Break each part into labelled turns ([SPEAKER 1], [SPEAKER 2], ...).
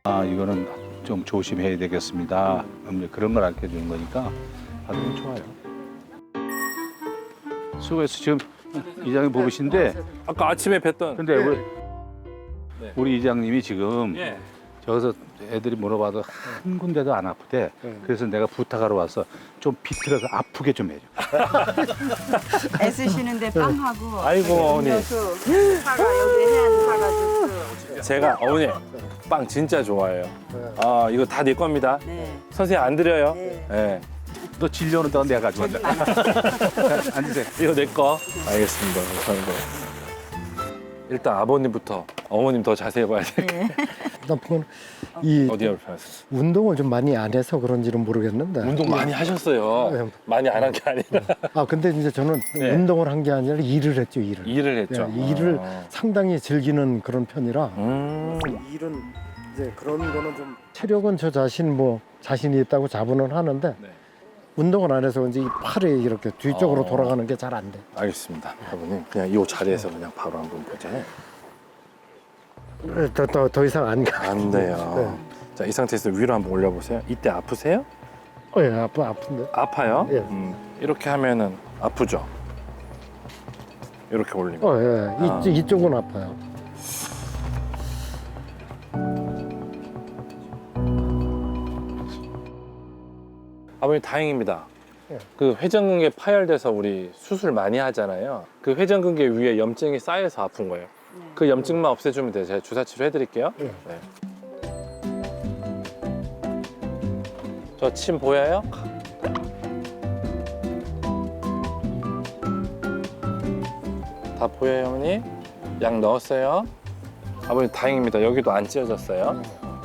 [SPEAKER 1] 아, 이거는 좀 조심해야 되겠습니다. 그런 걸 알려 주는 거니까 아주 좋아요. 수고했어. 지금 이장님 보이신데,
[SPEAKER 2] 아까 아침에 뵀던.
[SPEAKER 1] 근데 우리 이장님이 지금
[SPEAKER 2] 예.
[SPEAKER 1] 저기서 애들이 물어봐도 한 군데도 안 아프대. 그래서 내가 부탁하러 와서 좀 비틀어서 아프게 좀 해줘.
[SPEAKER 3] 애쓰시는데 빵하고
[SPEAKER 2] 아이고, 어머니.
[SPEAKER 3] 음료수, 사과 여기 해안 사과 주스.
[SPEAKER 2] 제가 어머니 빵 진짜 좋아해요. 아 이거 다 내 겁니다.
[SPEAKER 3] 네.
[SPEAKER 2] 선생님 안 드려요.
[SPEAKER 3] 네.
[SPEAKER 2] 네.
[SPEAKER 1] 너 질려오는 동안 내가 가져간다. 앉으세요.
[SPEAKER 2] 이거 내 거. 알겠습니다. 감사합니다. 일단 아버님부터 어머님 더 자세히 봐야 돼.
[SPEAKER 4] 나쁜 이
[SPEAKER 2] 어디가 불편하세요?
[SPEAKER 4] 운동을 좀 많이 안 해서 그런지는 모르겠는데.
[SPEAKER 2] 운동 많이 하셨어요.
[SPEAKER 4] 네.
[SPEAKER 2] 많이 안 한 게 아니라
[SPEAKER 4] 아 근데 이제 저는
[SPEAKER 2] 네.
[SPEAKER 4] 운동을 한 게 아니라 일을 했죠, 일을.
[SPEAKER 2] 일을 했죠.
[SPEAKER 4] 네, 일을
[SPEAKER 2] 아.
[SPEAKER 4] 상당히 즐기는 그런 편이라.
[SPEAKER 2] 일은
[SPEAKER 4] 이제 그런 거는 좀 체력은 저 자신 뭐 자신이 있다고 자부는 하는데
[SPEAKER 2] 네.
[SPEAKER 4] 운동을 안 해서 이제 이 팔이 이렇게 뒤쪽으로
[SPEAKER 2] 어.
[SPEAKER 4] 돌아가는 게 잘 안 돼.
[SPEAKER 2] 알겠습니다. 아버님 그냥 이 자리에서 그냥 바로 한번 보자.
[SPEAKER 4] 더 이상 안 가.
[SPEAKER 2] 안 돼요. 자, 이 상태에서 위로 한번 올려보세요. 이때 아프세요?
[SPEAKER 4] 예, 아픈데.
[SPEAKER 2] 아파요?
[SPEAKER 4] 예.
[SPEAKER 2] 이렇게 하면은 아프죠? 이렇게 올리면.
[SPEAKER 4] 예.
[SPEAKER 2] 아.
[SPEAKER 4] 이쪽은 아파요.
[SPEAKER 2] 아버님 다행입니다.
[SPEAKER 4] 예.
[SPEAKER 2] 그 회전근개 파열돼서 우리 수술 많이 하잖아요. 그 회전근개 위에 염증이 쌓여서 아픈 거예요. 그 염증만 없애주면 돼요. 제가 주사 치료 해드릴게요.
[SPEAKER 4] 예.
[SPEAKER 2] 네. 저 침 보여요? 다 보여요, 어머니? 약 넣었어요? 아버님 다행입니다. 여기도 안 찢어졌어요.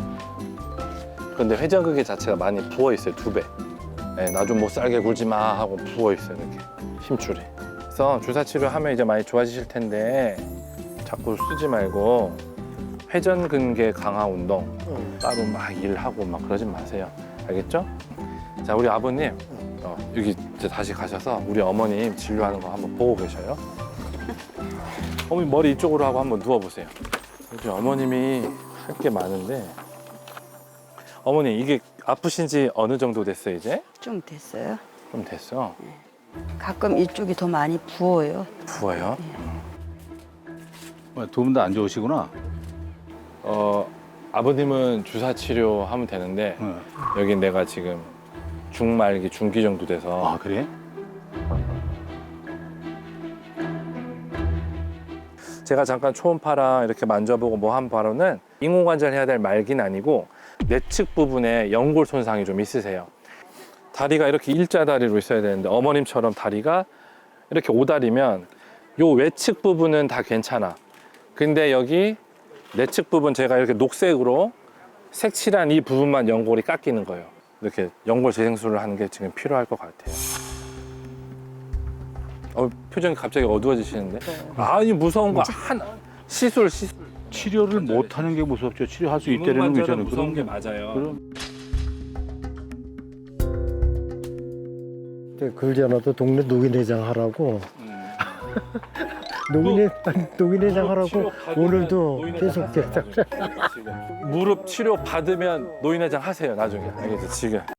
[SPEAKER 2] 근데 회전근개 자체가 많이 부어 있어요, 2배. 네, 나 좀 못 살게 굴지 마 하고 부어 있어요, 이렇게 힘줄이. 그래서 주사 치료하면 이제 많이 좋아지실 텐데 자꾸 쓰지 말고 회전근개 강화 운동 따로 막 일하고 막 그러진 마세요. 알겠죠? 자, 우리 아버님 여기 이제 다시 가셔서 우리 어머님 진료하는 거 한번 보고 계셔요. 어머니 머리 이쪽으로 하고 한번 누워보세요. 우리 어머님이 할 게 많은데 어머니 이게 아프신 지 어느 정도 됐어요 이제?
[SPEAKER 3] 좀 됐어요.
[SPEAKER 2] 좀 됐어.
[SPEAKER 3] 가끔 이쪽이 더 많이 부어요.
[SPEAKER 2] 부어요?
[SPEAKER 1] 두 분 다 안 좋으시구나.
[SPEAKER 2] 아버님은 주사 치료하면 되는데
[SPEAKER 1] 어.
[SPEAKER 2] 여기 내가 지금 중말기 중기 정도 돼서
[SPEAKER 1] 아, 그래?
[SPEAKER 2] 제가 잠깐 초음파랑 이렇게 만져보고 뭐 한 바로는 인공관절 해야 될 말기는 아니고 내측 부분에 연골 손상이 좀 있으세요. 다리가 이렇게 일자다리로 있어야 되는데 어머님처럼 다리가 이렇게 오다리면 요 외측 부분은 다 괜찮아. 근데 여기 내측 부분 제가 이렇게 녹색으로 색칠한 이 부분만 연골이 깎이는 거예요. 이렇게 연골 재생술을 하는 게 지금 필요할 것 같아요. 표정이 갑자기 어두워지시는데? 아니 무서운 거 하나. 시술.
[SPEAKER 1] 치료를 못 하는 게 무섭죠. 치료할 수 있다는 게 저는
[SPEAKER 2] 무서운 게 맞아요.
[SPEAKER 1] 그럼
[SPEAKER 4] 그러지 않아도 동네 노인회장 하라고. 노인회장 하라고 오늘도 계속
[SPEAKER 2] 무릎 치료 받으면 노인회장 하세요 나중에. 알겠죠? 지금.